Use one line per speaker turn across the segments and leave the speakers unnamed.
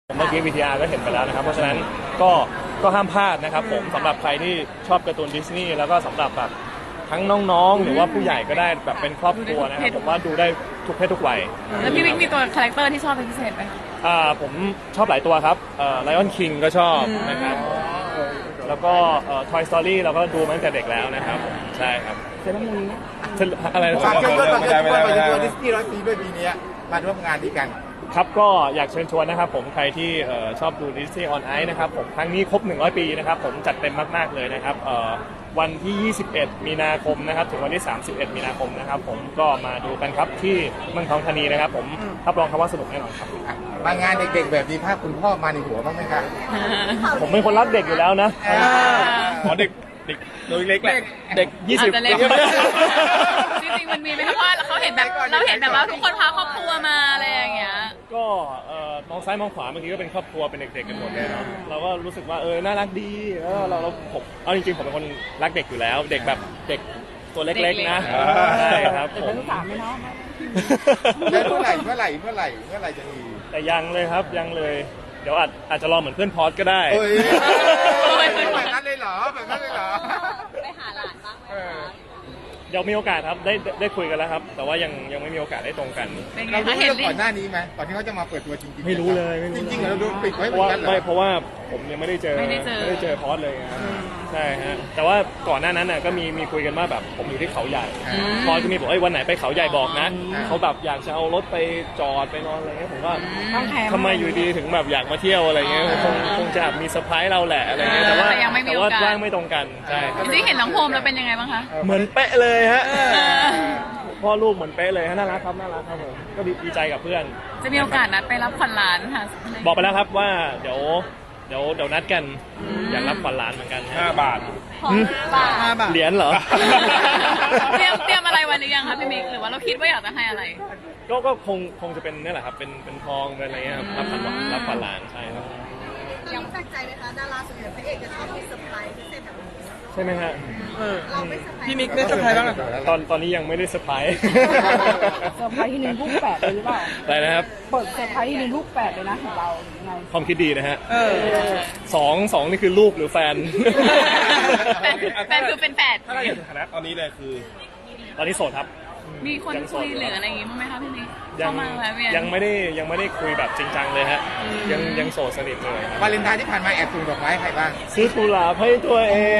เมื่อกี้ VTR ก็เห็นไปแล้วนะครับเพราะฉะนั้นก็ห้ามพลาดนะครับผมสำหรับใครที่ชอบการ์ตูนดิสนีย์แล้วก็สำหรับแบบทั้งน้องๆหรือว่าผู้ใหญ่ก็ได้แบบเป็นครอบครัวนะครับผมว่าดูได้ทุกเพศทุกวัย
แล้วพี่วิกมีตัวคาแรคเตอร์ที่ชอบเป็นพิเศษไหม
ผมชอบหลายตัวครับLion King ก็ชอบนะครับแล้วก็Toy Story เราก็ดูมาตั้งแต่เด็กแล้วนะครับใช่ครับ
เซเลมูน
อะไรนะ
ฝากเชิญชวนดิสนีย์100 ปีด้วยปีนี้มาร่วมงานดีกัน
ครับก็อยากเชิญชวนนะครับผมใครที่ชอบดู Disney on Ice นะครับผมครั้งนี้ครบ100 ปีนะครับผมจัดเต็มมากๆเลยนะครับวันที่ 21 มีนาคมนะครับถึงวันที่ 31 มีนาคมนะครับผมก็มาดูกันครับที่เมืองทองธานีนะครับผมรับรองครับว่าสนุกแน่นอนครับ
มางานเด็กๆแบบนี้ภาพคุณพ่อมาในหัวบ้างไหมครับ
ผมเป็นคนรักเด็กอยู่แล้วนะเด็กตัวเล็กแหละเด็ก20
จริงๆมันมีไหมครับว่าเราเห็นแบบว่าทุกคนพาครอบครัวมาอะไรอย่างเงี้ย
ก็มองซ้ายมองขวาเมื่อกี้ก็เป็นครอบครัวเป็นเด็กๆกันหมดเลยเนาะเราก็รู้สึกว่าน่ารักดีผมเอาจริงๆผมเป็นคนรักเด็กอยู่แล้วเด็กแบบเด็กตัวเล็กๆนะใช่ครับผม
เป็นสามไม่เนาะ
แล้วเมื่อไหร่จะมี
แต่ยังเลยครับยังเลยเดี๋ยวอาจจะรอเหมือนเพื่อนพอดก็ได้
แบบนั้นเลยเหรอ
ไปหาหลานบ้างไหม
เดี๋ยวมีโอกาสครับได้คุยกันแล้วครับแต่ว่ายังไม่มีโอกาสได้ตรงกัน
เรารู้เรื่องก่อนหน้านี้ไหมก่อนที่เขาจะมาเปิดตัวจริงๆ
ไม่รู้เลย
จริงๆเราดูปิดไว้เหมือนกันเหรอ
ไม่เพราะว่าผมยังไม่ได้เจอพอดเลยครับใช่ฮะแต่ว่าก่อนหน้านั้นน่ะก็มีคุยกันว่าแบบผมอยู่ที่เขาใหญ่พอจะมีบอกวันไหนไปเขาใหญ่บอกนะเขาแบบอยากจะเอารถไปจอดไปนอนอะไรเงี้ยผมว่าทำไมอยู่ดีถึงแบบอยากมาเที่ยวอะไรเงี้ยคงจะมีเซอร์ไพรส์เราแหละอะไรเงี้ยแต่ว่าว่างไม่ตรงกันใช่
จริงๆเห็นน้องโฮมแล้วเป็นยังไงบ้างคะ
เหมือนเป๊ะเลยฮะพ่อลูกเหมือนเป๊ะเลยฮะน่ารักครับผมก็ดีใจกับเพื่อน
จะมีโอกาสนัดไปรับขวัญหลานค่ะ
บอกไปแล้วครับว่าเดี๋ยวนัดกันอยากรับขวัญหลานเหมือนกัน5 บาทเหรียญเหรอ
เตรียมอะไรไว้หรือยังคะพี่มิกหรือว่าเราคิดว่าอยากจะให้อะไร
ก็คงจะเป็นนี่แหละครับเป็นทองเป็นอะไรเงี้ยครับรับขวัญหลานใช่ครับ
ยังแปลกใจไหมคะดาราส่วนใหญ่พระเอกจะชอบมีเซอร์ไพรส์พิเศษแบบนี้
ใช่ไหมฮะ
เราไม่เซอร์ไพรส์
พี่มิกได้เซอร์ไพรส์บ้าง
ตอนนี้ยังไม่ได้เซอร์ไพรส์
เซอร์ไพรส์ที่1 ลูก 8เลยหรือเปล่า
อะไรนะครับ
เปิดเซอร์ไพรส์ที่1 ลูก 8เลยนะของเราไง
ความคิดดีนะฮะสองนี่คือลูกหรือแฟน
แฟนคือเป็นแฝด
ตอนนี้เลยคือตอนนี้โสดครับ
มีคนคุยหรืออะไรอย่างงี้บ้างไหมคะพี่มิก
ยังไม่ได้คุยแบบจริงจังเลยฮะยังโสดสนิทเลยว
าเลนไทน์ที่ผ่านมาแอบส่งดอกไม้ใครบ้าง
ซื้อกุหลาบให้ตัวเอง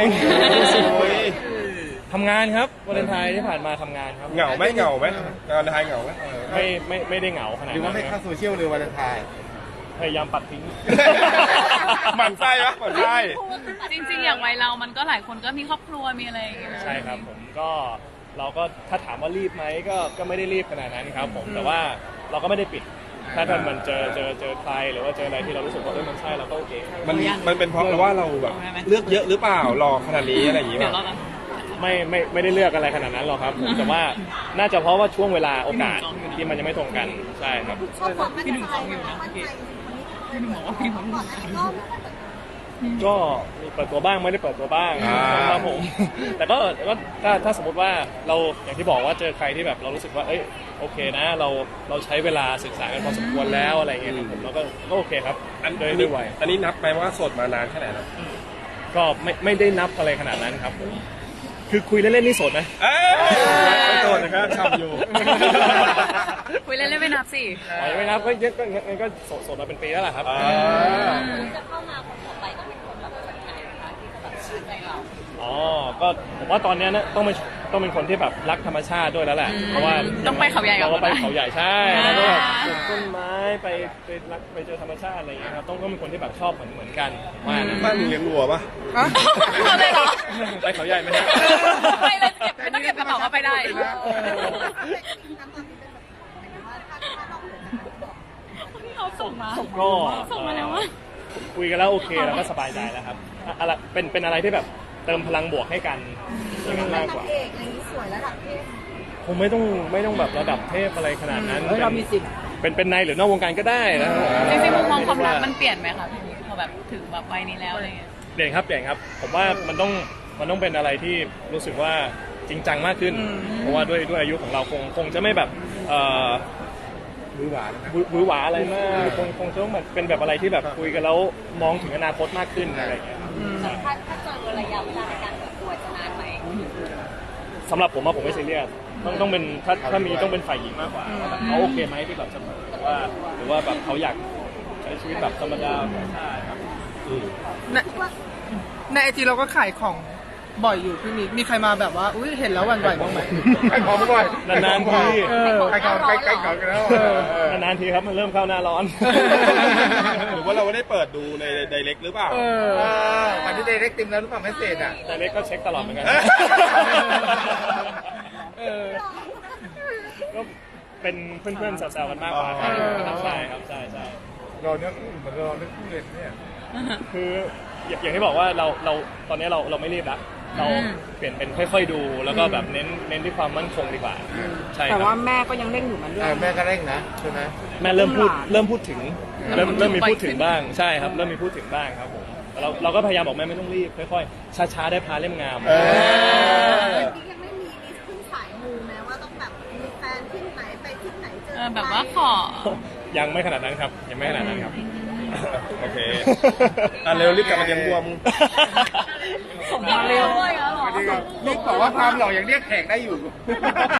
ทำงานครับวาเลนไทน์ที่ผ่านมาทำงานครับ
เหงาไหมวาเลนไทน์เหงาไหม
ไม่ได้เหงาขนาดนั้น
หรือว่าไม่เข้าโซเชียลเลยวาเลนไทน์
พยายามปัดทิ้ง
หมั่นไส้ปะหมั่นไส้
จริงๆอย่างวัยเรามันก็หลายคนก็มีครอบครัวมีอะไรอย่างเงี้ย
ใช่ครับผมเราก็ถ้าถามว่ารีบไหมก็ไม่ได้รีบขนาดนั้นครับผมแต่ว่าเราก็ไม่ได้ปิดถ้ามันเจอใครหรือว่าเจออะไรที่เรารู้สึกว่ามันใช่เราก็โอเค
มันเป็นเพราะว่าเราแบบเลือกเยอะหรือเปล่ารอขนาดนี้อะไรอย่างเงี้ย
ไม่ได้เลือกอะไรขนาดนั้นหรอกครับผมแต่ว่าน่าจะเพราะว่าช่วงเวลาโอกาสที่มันยังไม่ตรงกันใช่ครับ
พี่หนุ่มฟังอยู่นะพี่หนุ่มบอกว่าพี่หนุ่ม
ก็มีเปิดตัวบ้างไม่ได้เปิดตัวบ้างครับผมแต่ก็ถ้าสมมติว่าเราอย่างที่บอกว่าเจอใครที่แบบเรารู้สึกว่าโอเคนะเราใช้เวลาศึกษากันพอสมควรแล้วอะไรเงี้ยครับผมเราก็โอเคครับด้วยวัย
อันนี้นับไปว่าโสดมานานแค่ไหนแล้ว
ก็ไม่ได้นับอะไรขนาดนั้นครับคือคุยเล่นๆนี่โสดไหม
ไม่โสดนะครับทำอยู่
คุยเล่นๆไม่นับสิ
ไม่นับก็โสดมาเป็นปีแล้วล่ะครับ
จะเข้ามาคนต่อไปต้องเป็นคนแบบไหนคะที่แบบใจเรา
ก็ผมว่าตอนนี้นะต้องเป็นคนที่แบบรักธรรมชาติด้วยแล้วแหละเพราะว่า
ต้องไปเขาใหญ่
เราไปเขาใหญ่ใช่แล้วก็ปลูกต้นไม้ไปเจอธรรมชาติอะไรอย่างเงี้ยครับต้องเป็นคนที่แบบชอบเหมือนกันว่า
บ้านมึงเลี้ยงวัวปะ
เลยเหรอ
ไปเขาใหญ่ไหมฮะ
ไปเลยไม่ต้องเก็บกระเป๋าก็ไปได้เขาส่งมาแล้วว่า
คุยกันแล้วโอเคแล้วก็สบายใจแล้วครับอะไรเป็นอะไรที่แบบเติมพลังบวกให้กันอย่างนั้นมากกว่า
สวยระดับเทพ
ผมไม่ต้องแบบระดับเทพอะไรขนาดนั้น
เรามีสิทธิ์
เป็นในหรือนอกวงการก็ได้นะ
จริงๆมุมมองความรักมันเปลี่ยนไหมคะพี่พอแบบถึงแบบวัยนี้แล้วอะไรเงี้ย
เปลี่ยนครับผมว่ามันต้องเป็นอะไรที่รู้สึกว่าจริงจังมากขึ้นเพราะว่าด้วยอายุของเราคงจะไม่แบบ
มือหวานนะ
หวือหวาอะไรมากคงจะต้องแบบเป็นแบบอะไรที่แบบคุยกันแล้วมองถึงอนาคตมากขึ้นอะไรอย่างเงี้ยครับ
ถ้าเจอระยะเวลาในการเปิดตัวจะนานไหม
สำหรับผมอะผมไม่ซีเรียสต้องเป็นถ้ามีต้องเป็นฝ่ายหญิงมากกว่าเขาโอเคไหมที่แบบจะหรือว่าแบบเขาอยากใช้ชีวิตแบบธรรมดาใช่ครับ
ในไอจีเราก็ขายของบ่อยอยู่พี่มีใครมาแบบว่าอุ้ยเห็นแล้วหวั่นไหวบ้างไหม
ใครของบ่อย
นานๆที
ใครของใครของกันแล้ว
นานๆทีครับมันเริ่มเข้าหน้าร้อน
หรือว่าเราไม่ได้เปิดดูในไดเรกหรือเปล่าตอนที่ไดเรกติมแล้วหรือเปล่าไม่เสร็จอ่ะ
แต่เล็กก็เช็คตลอดเหมือนกันก็เป็นเพื่อนๆแซวๆกันมากกว่าครับใช่ครับใช่
รอเนื้อคู่เหมือนรอเนื้อคู่เลยเนี่ย
คืออย่างที่บอกว่าเราตอนนี้เราไม่รีบละเราเปลี่ยนเป็นค่อยๆดูแล้วก็แบบเน้นที่ความมั่นคงดีกว่าใช่ค
แต่
รับ
ว่าแม่ก็ยังเร่งอยู่มันด้วย
แม่ก็เร่งนะใช่ไหม
แม่เริ่มพูดถึงเริ่มมีพูดถึงบ้างใช่ครับเริ่มมีพูดถึงบ้างครับผมเราก็พยายามบอกแม่ไม่ต้องรีบค่อยๆช้าๆได้พาเล่มงาม
ยังไม่มีลิสต์ขึ้นสายมูแม้ว่าต้องแบบมีแฟนที่ไหนไปที่ไหนเจอ
แบบว่าขอ
ยังไม่ขนาดนั้นครับยังไม่ขนาดนั้นครับ
โอเคเร็วรีบกลับมาเตรียมตัวมึง
ส่งมาเร็ว
นี่บอกว่าความหล่อยังเรียกแขกได้อยู่